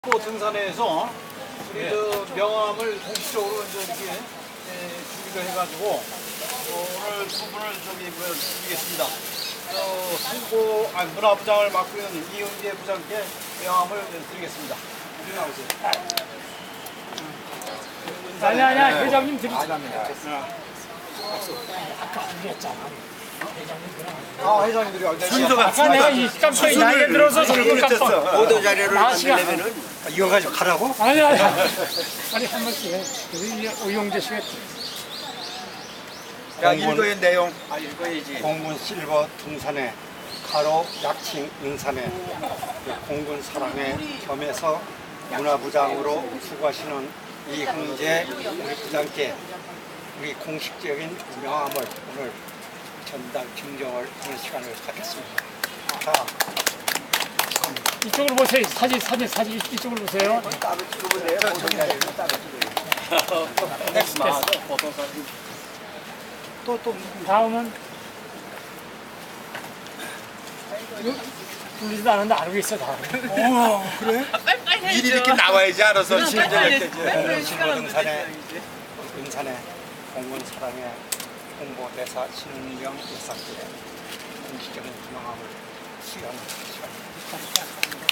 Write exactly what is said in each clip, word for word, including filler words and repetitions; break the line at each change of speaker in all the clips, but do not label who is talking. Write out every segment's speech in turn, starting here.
또 등산에서 우리 그 명함을 공식적으로 이제 이렇게 예, 준비를 해가지고 어, 오늘 두 분을 저기 뭐 드리겠습니다. 어, 홍보 아니 문화부장을 맡고 있는 이은재 부장께 명함을 드리겠습니다. 이리 나오세요.
아니 아니야 회장님 드리죠.
아 회장님들이
순서가
아까 내가 이 깜짝이 나이에 들어서 저를 깜빡.
보도 자료를
아시가
만들려면은
이거 가지고 가라고?
아니 아니 아니 한 번씩 해. 우리 오용재 씨가
야 읽어야 내용. 아 읽어야지.
공군 실버 등산회 가로 약칭 은산회 공군 사랑회 겸해서 문화부장으로 수고하시는 이흥재 우리 부장께 우리 공식적인 명함을 오늘 전달 증정을 하는 시간을 갖겠습니다. 자,
이쪽으로 보세요. 사진 사진 사진 이쪽으로 보세요.
따로 찍으면 돼요. 보도 자료를 따로 찍어요.
됐어.
또, 또,
다음은 울리지도 않았는데 알고 있어 다.
미리 이렇게 나와야지 알아서 신전할 때지.
공군 실버 등산회 은산회 공군 사랑회 홍보대사 신은경 일사께 공식적인 명함을 수여하는 시간입니다.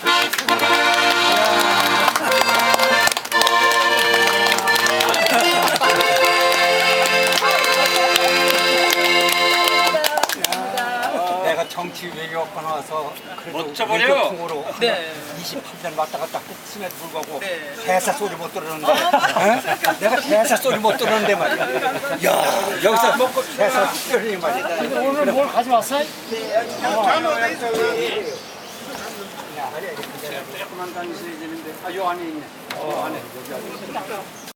내가 정치 외교학과 나와서 그래도 외교통으로 이십팔 년 왔다 갔다 했음에도 불구하고 대사 소리 못 들었는데 어? 내가 대사 소리 못 들었는데 말이야. 야 여기서 대사 소리 말이야.
근데 오늘 뭘 가져왔어?
조금만 다니셔야 되는데 아요 안에 있네. 어 안에 여기 안에.